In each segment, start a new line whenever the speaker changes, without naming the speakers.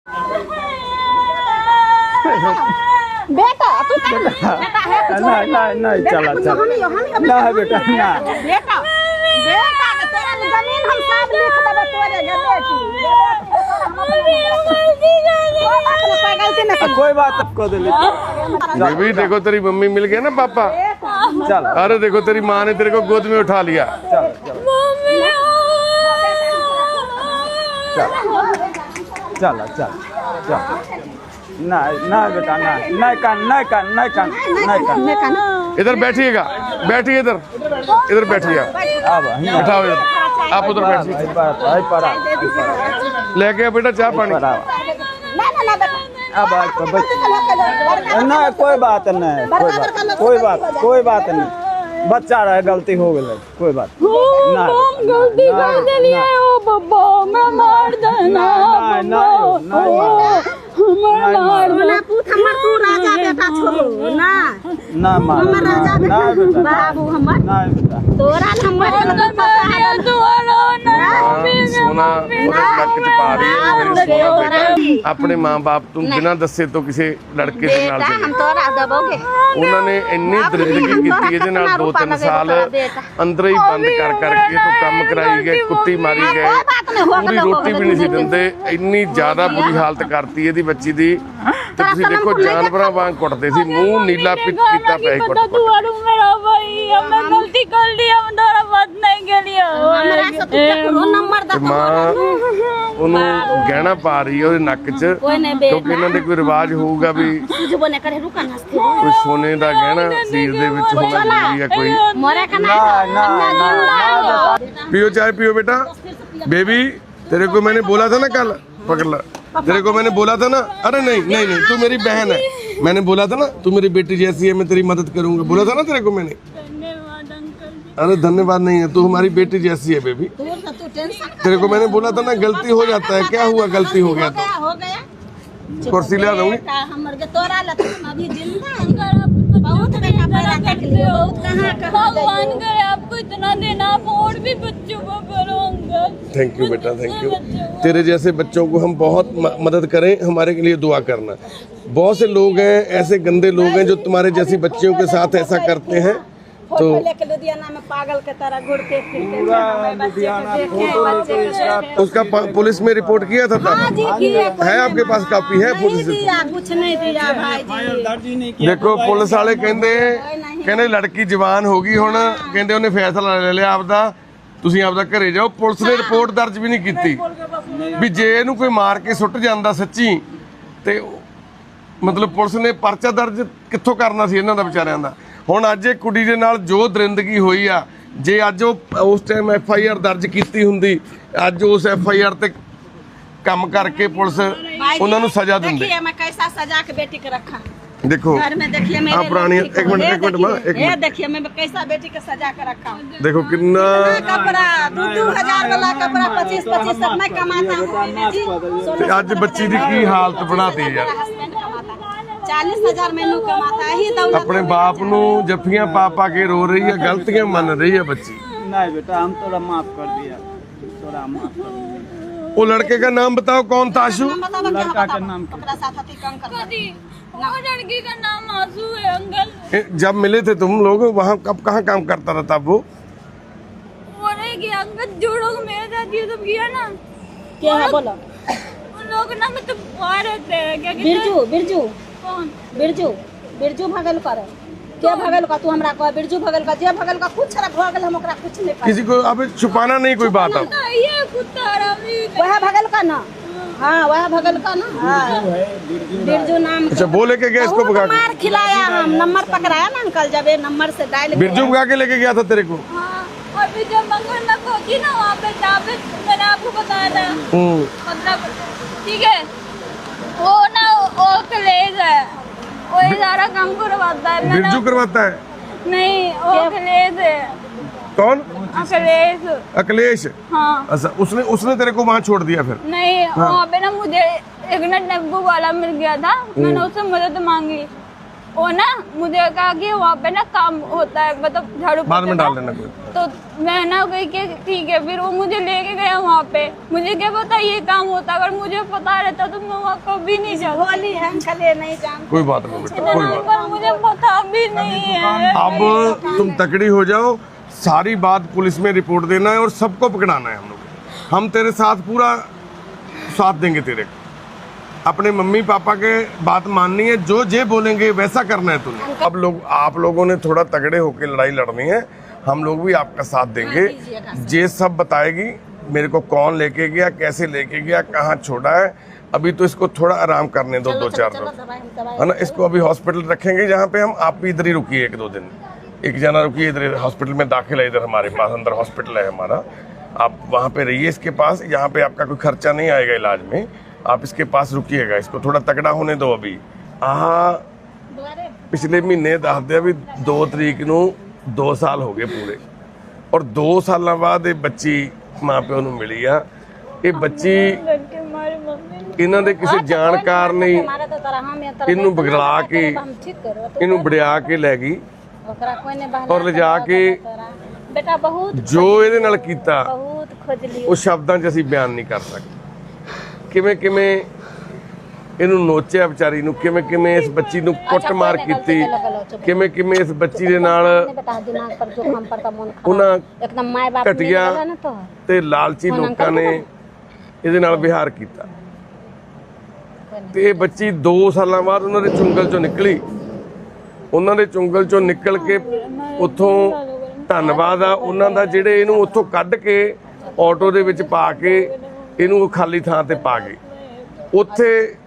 बेटा तू बेटा है
नहीं चला चला ना है बेटा ना
बेटा बेटा के तोरा जमीन हम सब लिख देबे तोरे गे बेटी
कोई बात को दे
बेबी देखो तेरी मम्मी मिल गया ना पापा।
चल
अरे देखो तेरी माँ ने तेरे को गोद में उठा लिया।
चल चल चल ना ना बेटा ना नहीं कान
इधर बैठिएगा, बैठिए इधर, इधर बैठिएगा,
अब
बैठाओ इधर, आप उधर बैठिए। लेके आओ बेटा चाय पानी।
अब ना कोई बात नहीं, कोई बात नहीं, बच्चा रहे गलती हो गई, कोई बात ना
गलती कर दिलिए ओ बब्बा मैं मार देना
हमर तू राजा बेटा छोड़ो ना
ना मार
हमर राजा
ना बेटा
बाबू हमर
ना बेटा
तोरा नंबर
सोना नक च पा रही है मेरी सोना बेटा। अपने माँ बाप तू बिना दसे तो किसी लड़के के नाल चले
हम तोरा दबोगे
उन्होंने इन्नी दरिंदगी की ਇਹਦੇ ਨਾਲ 2-3 ਸਾਲ ਅੰਦਰ ਹੀ ਬੰਦ ਕਰ ਕਰਕੇ ਤੋਂ ਕੰਮ ਕਰਾਈ ਗਏ, ਕੁੱਟੀ ਮਾਰੀ ਗਏ, ਪੂਰੀ ਰੋਟੀ ਵੀ ਨਹੀਂ ਸੀ ਦਿੰਦੇ। ਇੰਨੀ ਜ਼ਿਆਦਾ ਬੁਰੀ ਹਾਲਤ ਕਰਤੀ ਇਹਦੀ ਬੱਚੀ ਦੀ ਤੇ ਤੁਸੀਂ ਦੇਖੋ ਜਾਨਵਰਾਂ ਵਾਂਗ ਕੁੱਟਦੇ ਸੀ, ਮੂੰਹ ਨੀਲਾ ਕੀਤਾ ਪਿਆ ਸੀ ਕੁੱਟ
मेरा भाई हमने गलती कर ली, हम दोबारा बात नहीं के लिए
ਤੇ ਮਾਂ ਉਹਨੂੰ ਗਹਿਣਾ ਪਾ ਰਹੀ ਹੈ ਉਹਦੇ ਨੱਕ 'ਚ ਕਿਉਂਕਿ ਇਹਨਾਂ ਦੇ ਕੋਈ ਰਿਵਾਜ ਹੋਊਗਾ ਵੀ ਕੋਈ ਸੋਨੇ ਦਾ ਗਹਿਣਾ ਸਰੀਰ ਦੇ ਵਿੱਚ ਹੋਣਾ ਜ਼ਰੂਰੀ ਹੈ ਕੋਈ। पियो चाय पियो बेटा। बेबी तेरे को मैंने बोला था ना कल, पकड़ ला, तेरे को मैंने बोला था ना, अरे नहीं नहीं नहीं तू मेरी बहन है, मैंने बोला था ना तू मेरी बेटी जैसी है, मैं तेरी मदद करूंगा, बोला था ना तेरे को मैंने। अरे धन्यवाद नहीं है, तू हमारी बेटी जैसी है बेबी। तेरे को मैंने बोला था ना गलती हो जाता है, क्या हुआ गलती हो गया तो कुर्सी ले दूंगी।
भगवान करे आपको इतना देना, आप और भी बच्चों को करो अंकल।
थैंक यू बेटा, थैंक यू। तेरे जैसे बच्चों को हम बहुत मदद करें, हमारे के लिए दुआ करना। बहुत से लोग हैं ऐसे गंदे लोग हैं जो तुम्हारे जैसी बच्चियों के साथ ऐसा करते हैं। तो
लुधियाना में पागल के तरह घूरते फिरते
उसका पुलिस में रिपोर्ट किया था तब है आपके पास कापी है पुलिस?
कुछ नहीं दिया भाई जी।
देखो पुलिस वाले कहते लड़की जवान हो गई हुण, कहते उन्हें फैसला ले लिया आपदा, ਤੁਸੀਂ ਆਪਦਾ ਘਰੇ ਜਾਓ। ਪੁਲਿਸ ਨੇ ਰਿਪੋਰਟ ਦਰਜ ਵੀ ਨਹੀਂ ਕੀਤੀ ਵੀ ਜੇ ਇਹਨੂੰ ਕੋਈ ਮਾਰ ਕੇ ਸੁੱਟ ਜਾਂਦਾ ਸੱਚੀ ਤੇ ਮਤਲਬ ਪੁਲਿਸ ਨੇ ਪਰਚਾ ਦਰਜ ਕਿੱਥੋਂ ਕਰਨਾ ਸੀ ਇਹਨਾਂ ਦਾ ਵਿਚਾਰਿਆਂ ਦਾ। ਹੁਣ ਅੱਜ ਇਹ ਕੁੜੀ ਦੇ ਨਾਲ ਜੋ ਦਰਿੰਦਗੀ ਹੋਈ ਆ, ਜੇ ਅੱਜ ਉਹ ਉਸ ਟਾਈਮ FIR ਦਰਜ ਕੀਤੀ ਹੁੰਦੀ, ਅੱਜ ਉਸ FIR ਤੇ ਕੰਮ ਕਰਕੇ पुलिस उन्होंने सजा देंगे।
मैं कैसा सजा के बेटी को रखा
देखो
घर में, देखिए मेरे
पुरानी एक मिनट मां, एक
ये
मिनट
देखिए मैं कैसा बेटी को सजा के रखा हूं।
देखो कितना
कपड़ा 2-2 वाला कपड़ा 25 सब मैं कमाता हूं जी।
आज बच्ची दी की हालत बनाती है यार।
40,000 मैनू कमाता है ही दौलत।
अपने बाप नू जफ्फियां पा पा के रो रही है, गलतियां मन रही है बच्ची।
नहीं बेटा हम तोरा माफ कर दिया, तोरा माफ कर दिया।
वो लड़के का नाम बताओ कौन था? आशु
लड़का का नाम
कपड़ा साथी कम कर
वो लड़की का नाम आशु है अंकल।
जब मिले थे तुम लोग वहाँ कब कहाँ काम करता रहता वो?
रह गया अंकल, जो लोग मेरे साथ ये सब किया ना,
क्या है बोलो।
उन लोग ना मतलब बाहर रहते हैं, क्या कहते
बिरजू बिरजू
कौन
बिरजू बिरजू भगल कर क्या भगल का तू हमरा कह बिरजू भगल का जे भगल का कुछ रा भगल हम ओकरा कुछ नहीं
किसी को अब छुपाना नहीं कोई बात अब।
ये कुत्ता रवि
वह भगल का ना, हाँ वह भगल का ना, हाँ बिरजू नाम।
अच्छा वो लेके गया इसको भगा के?
मार खिलाया, हम नंबर पकड़ाया ना अंकल, जब ये नंबर से डायल
बिरजू भगा के लेके गया था तेरे को?
हाँ, और फिर जब मंगल पहुंची ना वहाँ पे जहाँ पे मैंने आपको बताया था, मतलब ठीक है वो ना वो कलेज है, वो ये सारा काम करवाता है।
बिरजू करवाता है?
नहीं वो कलेज है।
कौन?
अखिलेश।
अखिलेश?
हाँ।
अच्छा उसने उसने तेरे को वहाँ छोड़ दिया फिर?
नहीं वहाँ पे ना मुझे एक ना टेम्पो वाला मिल गया था, मैंने उससे मदद मांगी वो ना मुझे कहा कि वहाँ पे ना काम होता है, मतलब झाड़ू
बाद में
पोछा
डाल
का।
देना कोई।
तो मैं ना गई कि ठीक है, फिर वो मुझे लेके गया वहाँ पे। मुझे क्या पता ये काम होता, अगर मुझे पता रहता तो मैं वहाँ कभी नहीं जाती।
होली है अंकल, नहीं जानते।
कोई बात नहीं बेटा, कोई बात
अंकल मुझे पता भी नहीं है।
अब तुम तकड़ी हो जाओ, सारी बात पुलिस में रिपोर्ट देना है और सबको पकड़ाना है। हम लोग, हम तेरे साथ पूरा साथ देंगे तेरे को। अपने मम्मी पापा के बात माननी है, जो जे बोलेंगे वैसा करना है तूने। अब लोग, आप लोगों ने थोड़ा तगड़े होकर लड़ाई लड़नी है, हम लोग भी आपका साथ देंगे। जे सब बताएगी मेरे को, कौन लेके गया, कैसे लेके गया, कहाँ छोड़ा है। अभी तो इसको थोड़ा आराम करने दो, 2-4 दिन, है ना। इसको अभी हॉस्पिटल रखेंगे जहाँ पे हम, आप भी इधर ही रुकिए 1-2 दिन। एक जना रुकिए इधर, हॉस्पिटल में दाखिल है इधर हमारे पास, अंदर हॉस्पिटल है हमारा। आप वहाँ पे रहिए इसके पास, यहाँ पे आपका कोई खर्चा नहीं आएगा इलाज में, आप इसके पास रुकिएगा। इसको थोड़ा तगड़ा होने दो अभी। पिछले महीने दस दिया भी 2 तरीक ਨੂੰ 2 ਸਾਲ ਹੋ ਗਏ ਪੂਰੇ, ਔਰ 2 ਸਾਲਾਂ ਬਾਅਦ ਇਹ ਬੱਚੀ ਮਾਂ ਪਿਓ ਨੂੰ ਮਿਲੀ ਆ। ਇਹ ਬੱਚੀ ਇਹਨਾਂ ਦੇ ਕਿਸੇ ਜਾਣਕਾਰ ਨੇ ਇਹਨੂੰ ਬਗਲਾ ਕੇ, ਇਹਨੂੰ ਵੜਿਆ ਕੇ ਲੈ ਗਈ ਔਰ ਲਿਜਾ ਕੇ
बेटा बहुत
ਜੋ ਇਹਦੇ ਨਾਲ ਕੀਤਾ
बहुत खोज ली।
ਉਹ ਸ਼ਬਦਾਂ 'ਚ ਅਸੀਂ ਬਿਆਨ ਨਹੀਂ ਕਰ ਸਕਦੇ। ਕਿਵੇਂ ਕਿਵੇਂ ਇਹਨੂੰ ਨੋਚਿਆ ਵਿਚਾਰੀ ਨੂੰ, ਕਿਵੇਂ ਕਿਵੇਂ ਇਸ ਬੱਚੀ ਨੂੰ ਕੁੱਟਮਾਰ ਕੀਤੀ, ਕਿਵੇਂ ਕਿਵੇਂ ਇਸ ਬੱਚੀ ਦੇ ਨਾਲ
बेटा दिमाग पर जो काम पड़ता मन
ਉਹਨਾਂ
एकदम माय बाप
ਘਟੀਆ
ना तो
ਤੇ ਲਾਲਚੀ ਲੋਕਾਂ ਨੇ ਇਹਦੇ ਨਾਲ ਵਿਹਾਰ ਕੀਤਾ। ਤੇ ਇਹ ਬੱਚੀ 2 ਸਾਲਾਂ ਬਾਅਦ ਉਹਨਾਂ ਦੇ ਚੁੰਗਲ 'ਚੋਂ ਨਿਕਲੀ। ਉਹਨਾਂ ਦੇ ਚੁੰਗਲ 'ਚੋਂ ਨਿਕਲ ਕੇ ਉੱਥੋਂ, ਧੰਨਵਾਦ ਆ ਉਹਨਾਂ ਦਾ ਜਿਹੜੇ ਇਹਨੂੰ ਉੱਥੋਂ ਕੱਢ ਕੇ ਆਟੋ ਦੇ ਵਿੱਚ ਪਾ ਕੇ ਇਹਨੂੰ ਖਾਲੀ ਥਾਂ ਤੇ ਪਾ ਗਏ। ਉੱਥੇ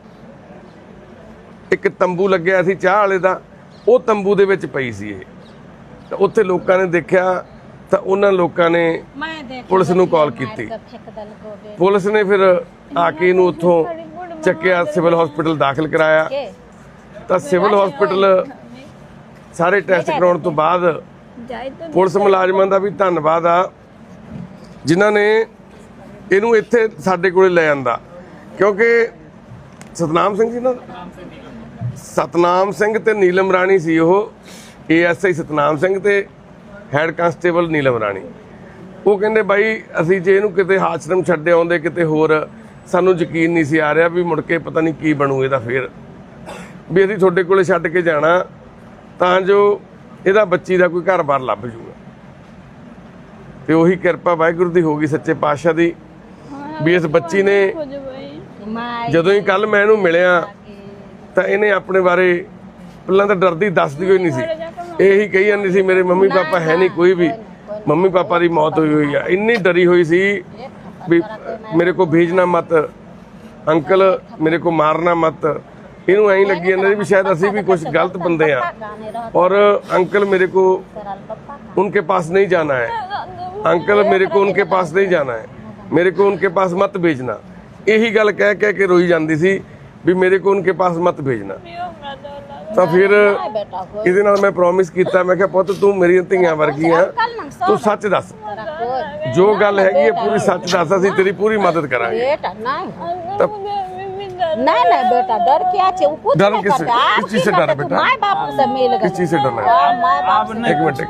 ਇੱਕ ਤੰਬੂ ਲੱਗਿਆ ਸੀ ਚਾਹ ਵਾਲੇ ਦਾ, ਉਹ ਤੰਬੂ ਦੇ ਵਿੱਚ ਪਈ ਸੀ ਇਹ। ਤਾਂ ਉੱਥੇ ਲੋਕਾਂ ਨੇ ਦੇਖਿਆ ਤਾਂ ਉਹਨਾਂ ਲੋਕਾਂ ਨੇ ਪੁਲਿਸ ਨੂੰ ਕਾਲ ਕੀਤੀ। ਪੁਲਿਸ ਨੇ ਫਿਰ ਆ ਕੇ ਇਹਨੂੰ ਉੱਥੋਂ ਚੱਕਿਆ, ਸਿਵਲ ਹਸਪੀਟਲ ਦਾਖਲ ਕਰਾਇਆ। ਤਾਂ ਸਿਵਲ ਹਸਪੀਟਲ ਸਾਰੇ ਟੈਸਟ ਕਰਾਉਣ ਤੋਂ ਬਾਅਦ ਪੁਲਿਸ ਮੁਲਾਜ਼ਮਾਂ ਦਾ ਵੀ ਧੰਨਵਾਦ ਆ ਜਿਨ੍ਹਾਂ ਨੇ ਇਹਨੂੰ ਇੱਥੇ ਸਾਡੇ ਕੋਲੇ ਲੈ ਆਂਦਾ। ਕਿਉਂਕਿ ਸਤਨਾਮ ਸਿੰਘ ਜੀ ਨਾ, ਸਤਨਾਮ ਸਿੰਘ ਤੇ ਨੀਲਮ ਰਾਣੀ ਸੀ ਉਹ, ASI ਸਤਨਾਮ ਸਿੰਘ ਤੇ ਹੈਡ ਕਾਂਸਟੇਬਲ ਨੀਲਮ ਰਾਣੀ। ਉਹ ਕਹਿੰਦੇ ਬਾਈ ਅਸੀਂ ਜੇ ਇਹਨੂੰ ਕਿਤੇ ਆਸ਼ਰਮ ਛੱਡੇ ਆਉਂਦੇ ਕਿਤੇ ਹੋਰ, ਸਾਨੂੰ ਯਕੀਨ ਨਹੀਂ ਸੀ ਆ ਰਿਹਾ ਵੀ ਮੁੜ ਕੇ ਪਤਾ ਨਹੀਂ ਕੀ ਬਣੂ ਇਹਦਾ, ਫਿਰ ਵੀ ਅਸੀਂ ਤੁਹਾਡੇ ਕੋਲੇ ਛੱਡ ਕੇ ਜਾਣਾ ਤਾਂ ਜੋ ਇਹਦਾ ਬੱਚੀ ਦਾ ਕੋਈ ਘਰ-ਬਾਰ ਲੱਭ ਜੂਗਾ। ਤੇ ਉਹੀ ਕਿਰਪਾ ਵਾਹਿਗੁਰੂ ਦੀ ਹੋ ਗਈ, ਸੱਚੇ ਪਾਤਸ਼ਾਹ ਦੀ, ਵੀ ਇਸ ਬੱਚੀ ਨੇ ਜਦੋਂ ਹੀ ਕੱਲ ਮੈਂ ਇਹਨੂੰ ਮਿਲਿਆ ਤਾਂ ਇਹਨੇ ਆਪਣੇ ਬਾਰੇ ਪਹਿਲਾਂ ਤਾਂ ਡਰਦੀ ਦੱਸਦੀ ਹੋਈ ਨਹੀਂ ਸੀ। ਇਹੀ ਕਹੀ ਜਾਂਦੀ ਸੀ ਮੇਰੇ ਮੰਮੀ ਪਾਪਾ ਹੈ ਨਹੀਂ, ਕੋਈ ਵੀ ਮੰਮੀ ਪਾਪਾ ਦੀ ਮੌਤ ਹੋਈ ਹੋਈ ਆ। ਇੰਨੀ ਡਰੀ ਹੋਈ ਸੀ ਵੀ ਮੇਰੇ ਕੋ ਭੇਜਣਾ ਮਤ ਅੰਕਲ, ਮੇਰੇ ਕੋ ਮਾਰਨਾ ਮਤ। ਇਹਨੂੰ ਐਂ ਲੱਗੀ ਜਾਂਦਾ ਸੀ ਵੀ ਸ਼ਾयद ਅਸੀਂ भी कुछ गलत बंदे हैं और अंकल मेरे को उनके पास नहीं जाना है, अंकल मेरे को उनके पास नहीं जाना है, मेरे को उनके पास मत भेजना। यही गल कह कह के रोई जाती सी भी मेरे को उनके पास मत भेजना। तो फिर ਇਹਦੇ ਨਾਲ ਮੈਂ ਪ੍ਰੋਮਿਸ ਕੀਤਾ, ਮੈਂ ਕਿਹਾ ਪੁੱਤ ਤੂੰ ਮੇਰੀਆਂ ਧੀਆਂ ਵਰਗੀ ਆ, ਤੂੰ ਸੱਚ ਦੱਸ, ਜੋ ਗੱਲ ਹੈਗੀ ਹੈ ਪੂਰੀ ਸੱਚ ਦੱਸ, ਅਸੀਂ ਤੇਰੀ ਪੂਰੀ ਮਦਦ ਕਰਾਂਗੇ।
नहीं नहीं बेटा डर क्या है, वो कुछ
डर
नहीं
किससे?
करता।
किस चीज से डर है बेटा?
माँ बाप से मिल गए।
किस चीज से डर लग रहा है?
माँ बाप से
एक मिनट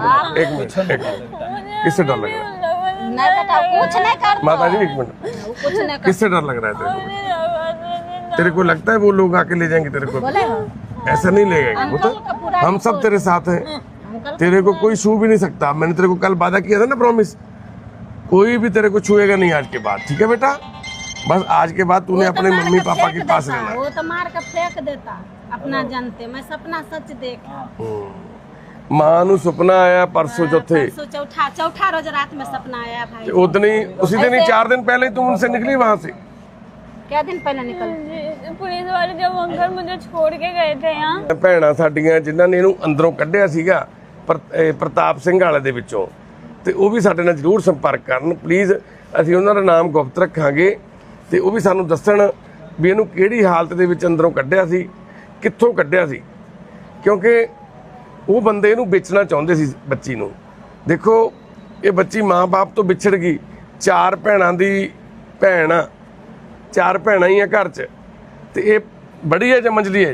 किससे डर लग रहा है?
नहीं बेटा कुछ नहीं करता।
माता जी एक मिनट,
वो कुछ नहीं करता।
किससे डर लग रहा है तेरे को? तेरे को लगता है वो लोग आके ले जाएंगे तेरे को?
बोले
ऐसा नहीं ले जाएंगे वो तो, हम सब तेरे साथ हैं, तेरे को कोई छू भी नहीं सकता। मैंने तेरे को कल वादा किया था ना प्रॉमिस, कोई भी तेरे को छुएगा नहीं आज के बाद, ठीक है बेटा? बस आज के बाद तूने अपने मम्मी पापा के पास रहना।
वो तो मार कर फेंक देता अपना जानते। मैं सपना सच देखा।
मां ਨੂੰ ਸੁਪਨਾ ਆਇਆ ਪਰਸੋਂ ਚੌਥੇ,
चौथा रोज रात में सपना आया भाई।
उतनी उसी दिन ही 4 दिन पहले तुम उनसे निकली वहां से।
क्या दिन पहले निकल?
पुलिस वाले जब अंकल मुझे छोड़ के गए थे यहाँ।
ਭੈਣਾਂ ਸਾਡੀਆਂ ਜਿਨ੍ਹਾਂ ਨੇ ਇਹਨੂੰ ਅੰਦਰੋਂ ਕੱਢਿਆ ਸੀਗਾ ਪ੍ਰਤਾਪ ਸਿੰਘ ਵਾਲੇ ਦੇ ਵਿੱਚੋਂ, ਤੇ ਉਹ ਵੀ ਸਾਡੇ ਨਾਲ ਜ਼ਰੂਰ ਸੰਪਰਕ ਕਰਨ ਪਲੀਜ਼। ਅਸੀਂ ਉਹਨਾਂ ਦਾ ਨਾਮ ਗੁਪਤ ਰੱਖਾਂਗੇ ਤੇ ਉਹ ਵੀ ਸਾਨੂੰ ਦੱਸਣ ਵੀ ਇਹਨੂੰ ਕਿਹੜੀ ਹਾਲਤ ਦੇ ਵਿੱਚ ਅੰਦਰੋਂ ਕੱਢਿਆ ਸੀ, ਕਿੱਥੋਂ ਕੱਢਿਆ ਸੀ। ਕਿਉਂਕਿ ਉਹ ਬੰਦੇ ਇਹਨੂੰ ਵੇਚਣਾ ਚਾਹੁੰਦੇ ਸੀ ਬੱਚੀ ਨੂੰ। ਦੇਖੋ ਇਹ ਬੱਚੀ ਮਾਂ-ਬਾਪ ਤੋਂ ਵਿਛੜ ਗਈ, 4 ਭੈਣਾਂ ਦੀ ਭੈਣ ਆ, 4 ਭੈਣਾਂ ਹੀ ਆ ਘਰ 'ਚ, ਤੇ ਇਹ ਬੜੀ ਹੈ ਜਾਂ ਮੰਝਲੀ ਹੈ?
ये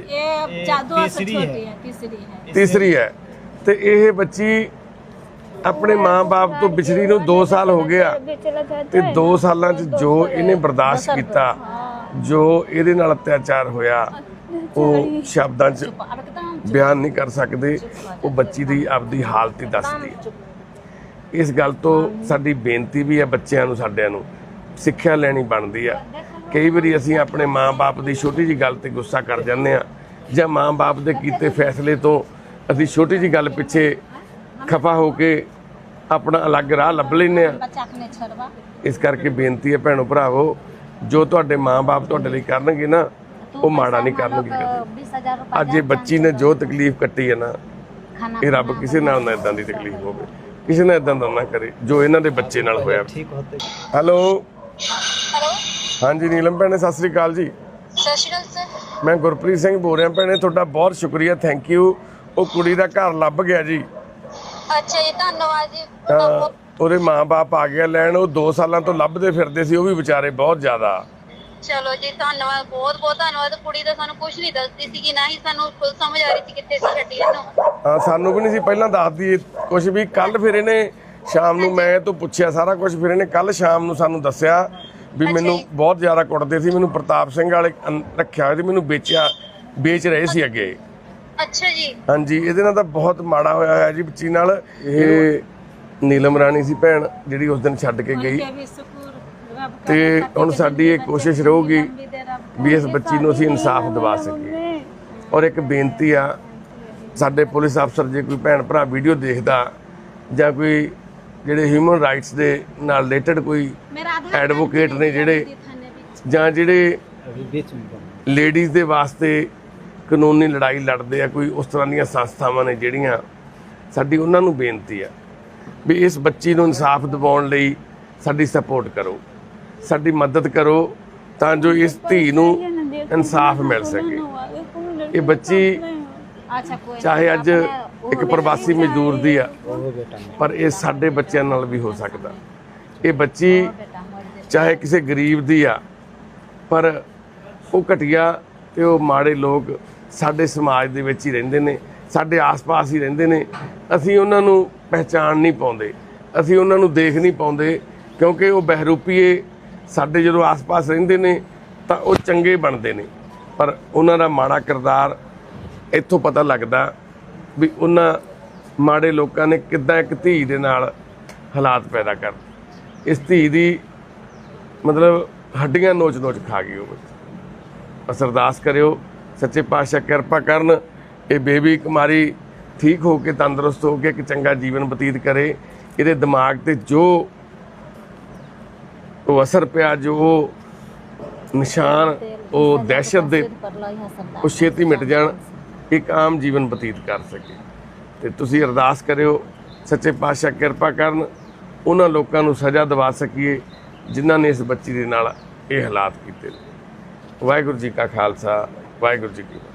दो से छोटी है, तीसरी है।
ਤੀਸਰੀ ਹੈ ਤੇ ਇਹ ਬੱਚੀ ਆਪਣੇ ਮਾਂ-ਬਾਪ ਤੋਂ ਵਿਛੜੀ ਨੂੰ 2 ਸਾਲ ਹੋ ਗਿਆ ਤੇ 2 ਸਾਲਾਂ 'ਚ ਜੋ ਇਹਨੇ ਬਰਦਾਸ਼ਤ ਕੀਤਾ, ਜੋ ਇਹਦੇ ਨਾਲ ਅਤਿਆਚਾਰ ਹੋਇਆ, ਉਹ ਸ਼ਬਦਾਂ 'ਚ ਬਿਆਨ ਨਹੀਂ ਕਰ ਸਕਦੇ। ਉਹ ਬੱਚੀ ਦੀ ਆਪਦੀ ਹਾਲਤ ਹੀ ਦੱਸਦੀ ਹੈ। ਇਸ ਗੱਲ ਤੋਂ ਸਾਡੀ ਬੇਨਤੀ ਵੀ ਹੈ ਬੱਚਿਆਂ ਨੂੰ, ਸਾਡਿਆਂ ਨੂੰ ਸਿੱਖਿਆ ਲੈਣੀ ਬਣਦੀ ਆ। ਕਈ ਵਾਰੀ ਅਸੀਂ ਆਪਣੇ ਮਾਂ-ਬਾਪ ਦੀ ਛੋਟੀ ਜਿਹੀ ਗੱਲ ਤੇ ਗੁੱਸਾ ਕਰ ਜਾਂਦੇ ਆ, ਜਾਂ ਮਾਂ-ਬਾਪ ਦੇ ਕੀਤੇ ਫੈਸਲੇ ਤੋਂ ਅਸੀਂ ਛੋਟੀ ਜਿਹੀ ਗੱਲ ਪਿੱਛੇ ਖਫਾ ਹੋ ਕੇ ਆਪਣਾ ਅਲੱਗ ਰਾਹ ਲੱਭ ਲੈਂਦੇ ਆ।
बच्चा के नहीं छोड़वा।
ਇਸ ਕਰਕੇ ਬੇਨਤੀ ਹੈ ਭੈਣੋ ਭਰਾਵੋ, ਜੋ ਤੁਹਾਡੇ ਮਾਂ-ਬਾਪ ਤੁਹਾਡੇ ਲਈ ਕਰਨਗੇ ਨਾ, ਉਹ ਮਾੜਾ ਨਹੀਂ ਕਰਨਗੇ ਕਦੇ।
20,000 रुपया
ਅੱਜ ਇਹ ਬੱਚੀ ਨੇ ਜੋ ਤਕਲੀਫ ਕੱਟੀ ਹੈ ਨਾ,
खाना
ਇਹ ਰੱਬ ਕਿਸੇ ਨਾਲ ਨਾ ਇਦਾਂ ਦੀ ਤਕਲੀਫ ਹੋਵੇ, ਕਿਸੇ ਨਾਲ ਇਦਾਂ ਦਾ ਨਾ ਕਰੇ ਜੋ ਇਹਨਾਂ ਦੇ ਬੱਚੇ ਨਾਲ ਹੋਇਆ। ਹੈਲੋ ਹਾਂਜੀ ਨੀਲਮ ਭੈਣੇ, ਸਤਿ ਸ੍ਰੀ ਅਕਾਲ ਜੀ।
ਸਤਿ ਸ਼੍ਰੀ ਅਕਾਲ ਸਰ।
ਮੈਂ ਗੁਰਪ੍ਰੀਤ ਸਿੰਘ ਬੋਲ ਰਿਹਾ ਭੈਣੇ, ਤੁਹਾਡਾ ਬਹੁਤ ਸ਼ੁਕਰੀਆ, ਥੈਂਕ ਯੂ। ਉਹ ਕੁੜੀ ਦਾ ਘਰ ਲੱਭ ਗਿਆ ਜੀ।
ਅੱਛਾ ਜੀ, ਧੰਨਵਾਦ ਜੀ।
ਤਾਂ ਉਹਦੇ ਮਾਂ-ਬਾਪ ਆ ਗਿਆ ਲੈਣ। ਉਹ 2 ਸਾਲਾਂ ਤੋਂ ਲੱਭਦੇ ਫਿਰਦੇ ਸੀ, ਉਹ ਵੀ ਵਿਚਾਰੇ ਬਹੁਤ ਜ਼ਿਆਦਾ।
ਚਲੋ ਜੀ, ਧੰਨਵਾਦ, ਬਹੁਤ ਬਹੁਤ ਧੰਨਵਾਦ। ਕੁੜੀ ਤਾਂ ਸਾਨੂੰ ਕੁਝ ਨਹੀਂ ਦੱਸਦੀ ਸੀ, ਨਾ ਹੀ ਸਾਨੂੰ ਖੁਦ ਸਮਝ ਆ ਰਹੀ ਸੀ ਕਿੱਥੇ ਸੀ ਛੱਡੀ ਇਹਨੂੰ।
ਹਾਂ, ਸਾਨੂੰ ਵੀ ਨਹੀਂ ਸੀ ਪਹਿਲਾਂ ਦੱਸਦੀ ਕੁਝ ਵੀ। ਕੱਲ ਫਿਰ ਇਹਨੇ ਸ਼ਾਮ ਨੂੰ ਮੈਂ ਤੋਂ ਪੁੱਛਿਆ ਸਾਰਾ ਕੁਝ, ਫਿਰ ਇਹਨੇ ਕੱਲ ਸ਼ਾਮ ਨੂੰ ਸਾਨੂੰ ਦੱਸਿਆ ਵੀ ਮੈਨੂੰ ਬਹੁਤ ਜ਼ਿਆਦਾ ਕੁੱਟਦੇ ਸੀ, ਮੈਨੂੰ ਪ੍ਰਤਾਪ ਸਿੰਘ ਵਾਲੇ ਰੱਖਿਆ ਹੋਇਆ ਸੀ, ਮੈਨੂੰ ਵੇਚ ਰਹੇ ਸੀ ਅੱਗੇ।
ਅੱਛਾ ਜੀ।
ਹਾਂਜੀ, ਇਹਦੇ ਨਾਲ ਤਾਂ ਬਹੁਤ ਮਾੜਾ ਹੋਇਆ ਜੀ ਬੱਚੀ ਨਾਲ। ਇਹ ਨੀਲਮ ਰਾਣੀ ਸੀ ਭੈਣ, ਜਿਹੜੀ ਉਸ ਦਿਨ ਛੱਡ ਕੇ ਗਈ। ਤੇ ਹੁਣ ਸਾਡੀ ਇਹ ਕੋਸ਼ਿਸ਼ ਰਹੂਗੀ ਵੀ ਇਸ ਬੱਚੀ ਨੂੰ ਅਸੀਂ ਇਨਸਾਫ ਦਿਵਾ ਸਕੀਏ। ਔਰ ਇੱਕ ਬੇਨਤੀ ਆ, ਸਾਡੇ ਪੁਲਿਸ ਅਫਸਰ ਜੇ ਕੋਈ ਭੈਣ ਭਰਾ ਵੀਡੀਓ ਦੇਖਦਾ, ਜਾਂ ਕੋਈ ਜਿਹੜੇ ਹਿਊਮਨ ਰਾਈਟਸ ਦੇ ਨਾਲ ਰਿਲੇਟਡ ਕੋਈ ਐਡਵੋਕੇਟ ਨੇ ਜਿਹੜੇ, ਜਾਂ ਜਿਹੜੇ ਲੇਡੀਜ਼ ਦੇ ਵਾਸਤੇ ਕਾਨੂੰਨੀ ਲੜਾਈ ਲੜਦੇ ਆ, ਕੋਈ ਉਸ ਤਰ੍ਹਾਂ ਦੀਆਂ ਸੰਸਥਾਵਾਂ ਨੇ ਜਿਹੜੀਆਂ, ਸਾਡੀ ਉਹਨਾਂ ਨੂੰ ਬੇਨਤੀ ਆ ਵੀ ਇਸ ਬੱਚੀ ਨੂੰ ਇਨਸਾਫ ਦਿਵਾਉਣ ਲਈ ਸਾਡੀ ਸਪੋਰਟ ਕਰੋ, ਸਾਡੀ ਮਦਦ ਕਰੋ, ਤਾਂ ਜੋ ਇਸ ਧੀ ਨੂੰ ਇਨਸਾਫ ਮਿਲ ਸਕੇ। ਇਹ ਬੱਚੀ ਚਾਹੇ ਅੱਜ ਇੱਕ ਪ੍ਰਵਾਸੀ ਮਜ਼ਦੂਰ ਦੀ ਆ, ਪਰ ਇਹ ਸਾਡੇ ਬੱਚਿਆਂ ਨਾਲ ਵੀ ਹੋ ਸਕਦਾ। ਇਹ ਬੱਚੀ ਚਾਹੇ ਕਿਸੇ ਗਰੀਬ ਦੀ ਆ, ਪਰ ਉਹ ਘਟੀਆ ਤੇ ਉਹ ਮਾੜੇ ਲੋਕ ਸਾਡੇ ਸਮਾਜ ਦੇ ਵਿੱਚ ਹੀ ਰਹਿੰਦੇ ਨੇ, ਸਾਡੇ ਆਸ-ਪਾਸ ਹੀ ਰਹਿੰਦੇ ਨੇ। ਅਸੀਂ ਉਹਨਾਂ ਨੂੰ ਪਹਿਚਾਣ ਨਹੀਂ ਪਾਉਂਦੇ, ਅਸੀਂ ਉਹਨਾਂ ਨੂੰ ਦੇਖ ਨਹੀਂ ਪਾਉਂਦੇ, ਕਿਉਂਕਿ ਉਹ ਬਹਿਰੂਪੀਏ ਸਾਡੇ ਜਦੋਂ ਆਸ-ਪਾਸ ਰਹਿੰਦੇ ਨੇ ਤਾਂ ਉਹ ਚੰਗੇ ਬਣਦੇ ਨੇ, ਪਰ ਉਹਨਾਂ ਦਾ ਮਾੜਾ ਕਿਰਦਾਰ ਇੱਥੋਂ ਪਤਾ ਲੱਗਦਾ ਵੀ ਉਹਨਾਂ ਮਾੜੇ ਲੋਕਾਂ ਨੇ ਕਿੱਦਾਂ ਇੱਕ ਧੀ ਦੇ ਨਾਲ ਹਾਲਾਤ ਪੈਦਾ ਕਰ। ਇਸ ਧੀ ਦੀ ਮਤਲਬ ਹੱਡੀਆਂ ਨੋਚ-ਨੋਚ ਖਾ ਗਈ ਉਹ ਬੱਚੀ। ਅਰਦਾਸ ਕਰਿਓ ਸੱਚੇ ਪਾਤਸ਼ਾਹ ਕਿਰਪਾ ਕਰਨ, ਇਹ ਬੇਬੀ ਕੁਮਾਰੀ ਠੀਕ ਹੋ ਕੇ ਤੰਦਰੁਸਤ ਹੋ ਕੇ ਇੱਕ ਚੰਗਾ ਜੀਵਨ ਬਤੀਤ ਕਰੇ। ਇਹਦੇ ਦਿਮਾਗ ਤੇ ਜੋ ਉਹ ਅਸਰ ਪਿਆ, ਜੋ ਨਿਸ਼ਾਨ, ਉਹ ਦਹਿਸ਼ਤ ਦੇ, ਉਹ ਛੇਤੀ ਮਿਟ ਜਾਣ, ਇੱਕ ਆਮ ਜੀਵਨ ਬਤੀਤ ਕਰ ਸਕੇ। ਤੇ ਤੁਸੀਂ ਅਰਦਾਸ ਕਰਿਓ ਸੱਚੇ ਪਾਤਸ਼ਾਹ ਕਿਰਪਾ ਕਰਨ, ਉਹਨਾਂ ਲੋਕਾਂ ਨੂੰ ਸਜ਼ਾ ਦਿਵਾ ਸਕੀਏ ਜਿਨ੍ਹਾਂ ਨੇ ਇਸ ਬੱਚੀ ਦੇ ਨਾਲ ਇਹ ਹਾਲਾਤ ਕੀਤੇ ਨੇ। ਵਾਹਿਗੁਰੂ ਜੀ ਕਾ ਖਾਲਸਾ, ਵਾਹਿਗੁਰੂ ਜੀ ਕੀ ਫਤਿਹ।